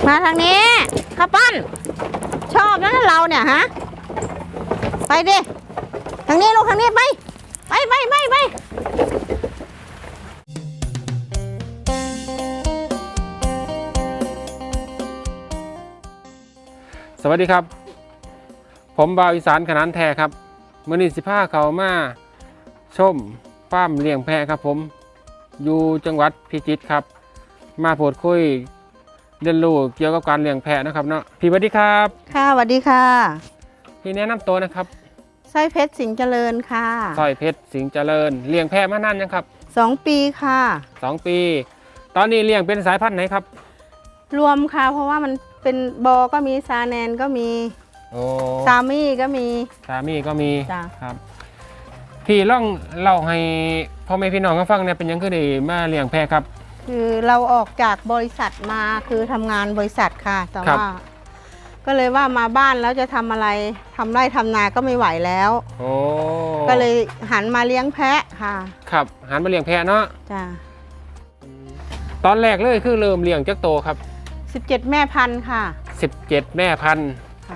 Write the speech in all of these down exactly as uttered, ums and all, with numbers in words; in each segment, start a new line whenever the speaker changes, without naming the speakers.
มาทางนี้ข้าวปั้นชอบนะเราเนี่ยฮะไปดิทางนี้ลูกทางนี้ไปไปไปไปไป
สวัสดีครับผมบ่าวอีสานขนานแท้ครับมื้อนี้สิพาเขามาชมฟาร์มเลี้ยงแพะครับผมอยู่จังหวัดพิจิตรครับมาพูดคุยเรียนรู้เกี่ยวกับการเลี้ยงแพะนะครับเนาะพี่สวัสดีครับ
ค่ะสวัสดีค่ะ
พี่แนะนำตัวนะครับ
สร้อยเพชรสิงห์เจริญค่ะ
สร้อยเพชรสิงห์เจริญเลี้ยงแพะมานานยังครับ
สองปีค่ะ
สองปีตอนนี้เลี้ยงเป็นสายพันธุ์ไหนครับ
รวมค่ะเพราะว่ามันเป็นบอก็มีซาแนนก็มี
โอ้
ซามี่ก็มี
ซามี่ก็มี
จ้ะ
ครับพี่ล่องเล่าให้พ่อแม่พี่น้องเขาฟังเนี่ยเป็นยังคือได้มาเลี้ยงแพะครับ
คือเราออกจากบริษัทมาคือทำงานบริษัทค่ะแต่ว่าก็เลยว่ามาบ้านแล้วจะทำอะไรทำไร่ทำนาก็ไม่ไหวแล้ว
โอ้
ก็เลยหันมาเลี้ยงแพะค่ะ
ครับหันมาเลี้ยงแพะเนาะ
จ้ะ
ตอนแรกเลยคือเริ่มเลี้ยงจักโตครับ
สิบเจ็ดแม่พันธุ์ค่ะ
สิบเจ็ดแม่พันธุ์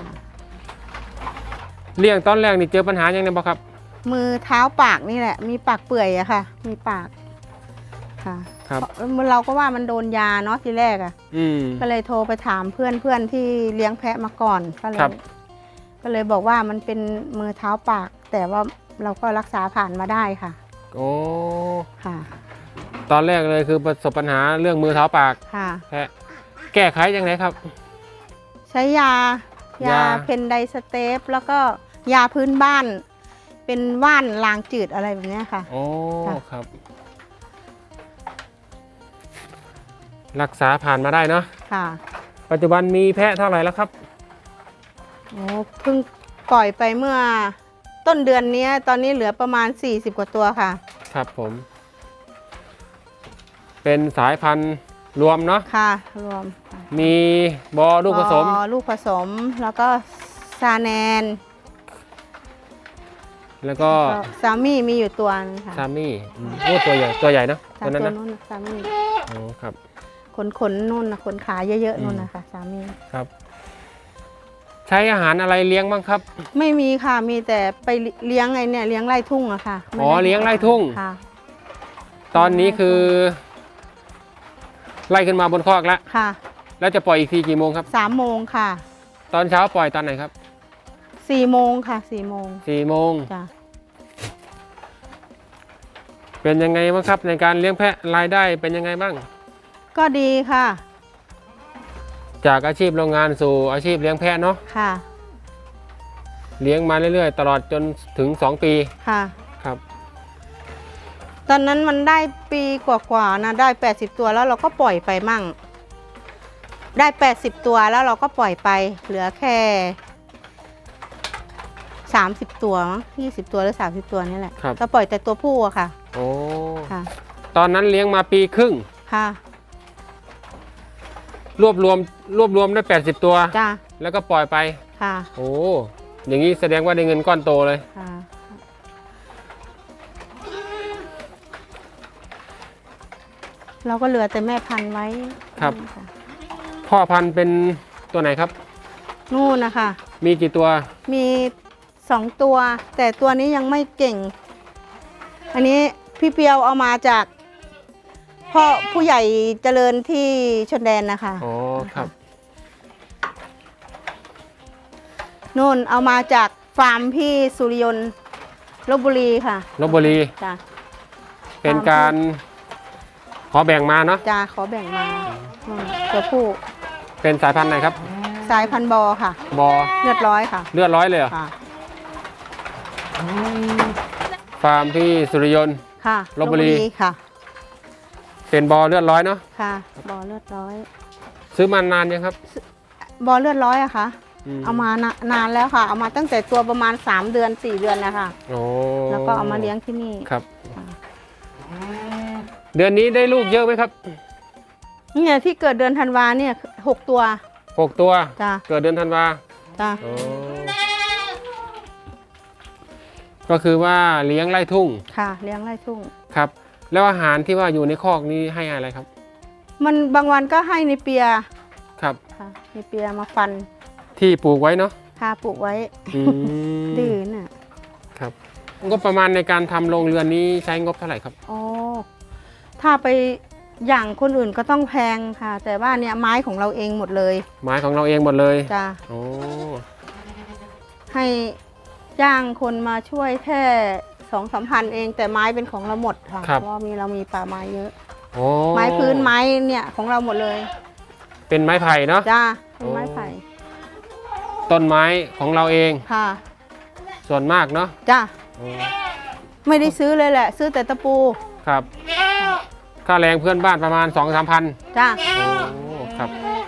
เลี้ยงตอนแรกนี่เจอปัญหาอย่างไรบ้างครับ
มือเท้าปากนี่แหละมีปากเปื่อยอะค่ะมีปากค่ะ
ครับ
เราก็ว่ามันโดนยาเนาะทีแรกอะ
อืม
ก็เลยโทรไปถามเพื่อนเพื่อนที่เลี้ยงแพะมาก่อนก็เลยก็เลยบอกว่ามันเป็นมือเท้าปากแต่ว่าเราก็รักษาผ่านมาได้ค่ะ
โอ้
ค่ะ
ตอนแรกเลยคือประสบปัญหาเรื่องมือเท้าปาก
ค่ะ
แพะแก้ไขยังไงครับ
ใช้ยายาเพนไดสเตปแล้วก็ยาพื้นบ้านเป็นว่านลางจืดอะไรแบบนี้ค่ะ
โอ้ครับรักษาผ่านมาได้เนาะ
ค่ะ
ปัจจุบันมีแพะเท่าไหร่แล้วครับ
โอ้เพิ่งปล่อยไปเมื่อต้นเดือนนี้ตอนนี้เหลือประมาณสี่สิบกว่าตัวค่ะ
ครับผมเป็นสายพันธุ์รวมเนาะ
ค่ะรวม
มีบอลูกผสม
บอลูกผสมแล้วก็ซาแนน
แล้วก็
ซามี่มีอยู่ตัวนึงค่ะ
ซามี่โอ้ตัวใหญ่ตัวใหญ่นะ
ตัวนั้นนะซามี่
โอ้ครับ
ขนขนนุ่นนะขนขาเยอะๆนุ่นนะคะซามี่
ครับใช้อาหารอะไรเลี้ยงบ้างครับ
ไม่มีค่ะมีแต่ไปเลี้ยงไงเนี่ยเลี้ยงไร่ทุ่งอะค่ะ
อ๋อเลี้ยงไร่ทุ่ง
ค่ะ
ตอนนี้คือไล่ขึ้นมาบนคอกแล้ว
ค่ะ
แล้วจะปล่อยอีกทีกี่โมงครับ
สามโมงค่ะ
ตอนเช้าปล่อยตอนไหนครับ
สี่โมงค่ะสี่โมง
สี่โมง
จ้ะ
เป็นยังไงบ้างครับในการเลี้ยงแพะรายได้เป็นยังไงบ้าง
ก็ดีค่ะ
จากอาชีพโรงงานสู่อาชีพเลี้ยงแพะเนาะ
ค่ะ
เลี้ยงมาเรื่อยๆตลอดจนถึงสองปี
ค่ะ
ครับ
ตอนนั้นมันได้ปีกว่าๆนะได้แปดสิบตัวแล้วเราก็ปล่อยไปมั่งได้แปดสิบตัวแล้วเราก็ปล่อยไปเหลือแค่สามสิบตัวยี่สิบตัวหรือสามสิบตัวนี่แหละก็ปล่อยแต่ตัวผู้อะค่ะ
โอ้
ค่ะ
ตอนนั้นเลี้ยงมาปีครึ่ง
ค่ะ
รวบรวมรวบรวมได้แปดสิบตัว
จ้ะ
แล้วก็ปล่อยไป
ค่ะ
โอ้อย่างนี้แสดงว่าได้เงินก้อนโตเลย
ค่ะเราก็เหลือแต่แม่พันธุ์ไว้
ครับพ่อพันธุ์เป็นตัวไหนครับ
นู่นนะคะ
มีกี่ตัว
มีสองตัวแต่ตัวนี้ยังไม่เก่งอันนี้พี่เปียวเอามาจากพ่อผู้ใหญ่เจริญที่ชนแดนนะคะ
อ๋อครับ
นู่นเอามาจากฟาร์มพี่สุริยนต์ลพบุรีค่ะ
ลพบุรี
จ้ะ
เป็นการขอแบ่งมาเนาะ
จ้ะขอแบ่งมาตัวผู้
เป็นสายพันธุ์ไหนครับ
สายพันธุ์บอค่ะ
บอ
เลือดร้อยค่ะ
เลือดร้อยเลยเหรอค่ะฟาร์มพี่สุริยนต์
ค่ะ
ลพบุรี
ค่ะ
เป็นบอเลือดร้อยเนาะ
ค่ะบอเลือดร้อย
ซื้อมานานยังครับ
บอเลือดร้อยอะค่ะเอามานานแล้วค่ะเอามาตั้งแต่ตัวประมาณสามเดือนสี่เดือนนะคะ
โอ้
แล้วก็เอามาเลี้ยงที่นี่
ครับเดือนนี้ได้ลูกเยอะไหมครับ
เนี่ยที่เกิดเดือนธันวาเนี่ยหกตัว
หกตัว
จ้ะ
เกิดเดือนธันวา
จ้ะ
ก็คือว่าเลี้ยงไร่ทุ่ง
ค่ะเลี้ยงไร่ทุ่ง
ครับแล้วอาหารที่ว่าอยู่ในคอกนี้ให้อะไรครับ
มันบางวันก็ให้ในเปีย
ครับ
ค่ะมีเปียมาฟัน
ที่ปลูกไว้เนาะ
พาปลูกไว้
อืม
ดื้อน่ะ
ครับงบประมาณในการทำโรงเรือนนี้ใช้งบเท่าไหร่ครับ
อ๋อถ้าไปอย่างคนอื่นก็ต้องแพงค่ะ แต่ว่าเนี่ยไม้ของเราเองหมดเลย
ไม้ของเราเองหมดเลย
จ้ะ
โอ้
ให้จ้างคนมาช่วยแค่สองสามพันเอง แต่ไม้เป็นของเราหมดค่ะเพราะว่ามีเรามีป่าไม้เยอะ
โอ้
ไม้พื้นไม้เนี่ยของเราหมดเลย
เป็นไม้ไผ่เนาะ
จ้าเป็นไม้ไผ่
ต้นไม้ของเราเอง
ค่ะ
ส่วนมากเนาะ
จ้า
โอ้
ไม่ได้ซื้อเลยแหละ ซื้อแต่ตะปู
ครับ ค่าแรงเพื่อนบ้านประมาณ สองสามพัน
จ้า
โอ้ครับ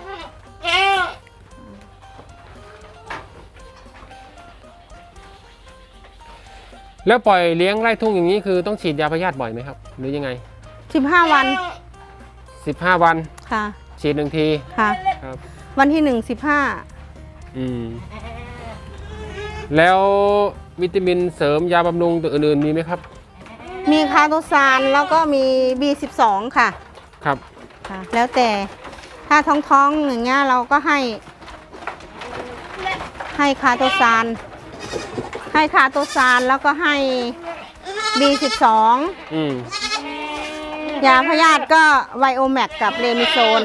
แล้วปล่อยเลี้ยงไร่ทุ่งอย่างนี้คือต้องฉีดยาพยาธิบ่อยไหมครับ หรือยังไง
สิบห้าวัน
สิบห้าวัน
ค่ะ
ฉีดหนึ่งที
ค่ะ
ครับ
วันที่หนึ่งสิบห้า
อืมแล้ววิตามินเสริมยาบำรุงตัวอื่นๆมีไหมครับ
มีคาโตซานแล้วก็มี บี สิบสอง ค่ะ
ครับ
ค่ะ แล้วแต่ถ้าท้องๆอย่างเงี้ยเราก็ให้ ให้คาโตซานให้คาโตซานแล้วก็ให้ บี สิบสอง
อืม
ยาพยาธิก็ไวโอแมกกับเรมิโซน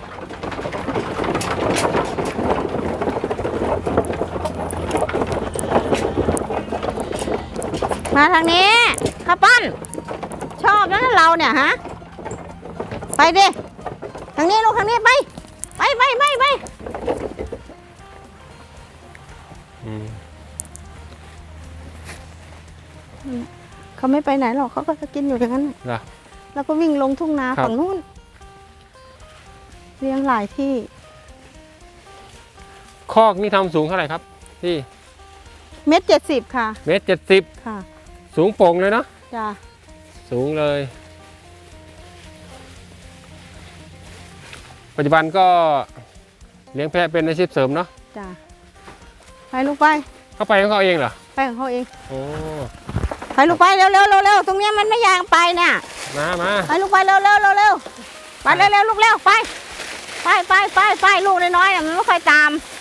มาทางนี้ข้าวปั้น ชอบนะเราเนี่ยฮะ ไปดิทางนี้ลูกทางนี้ไป ไปไปไปไป
อืม
เขาไม่ไปไหนหรอกเขาก็จะกินอยู่อย่างนั้นน่ะ
เหรอ
แล้วก็วิ่งลงทุ่งนา
ครับ
ฝั่งนู้นเลี้ยงหลายที่
คอกนี่ทำสูงเท่าไหร่ครับที่
เม็ดเจ็ดสิบค่ะ
เมตรเจ็ดสิบ
ค่ะ
สูงโป่งเลยเนาะ
จ้า
สูงเลย ปัจจุบันก็เลี้ยงแพะเป็นอาชีพเสริมเนาะ
จ้าไปลูกไป
เขาไปของเขาเองเหรอ
ไปของเขาเอง
โอ้
ไปลูกไปเร็วเร็วเร็วเร็วตรงเนี้ยมันไม่ยางไปเนี่ย
มามา
ไปลูกไปเร็วเร็วเร็วเร็วไปเร็วเร็วลูกเร็วไป ไปไปไปไปลูกน้อยๆน่ะมันไม่ค่อยตาม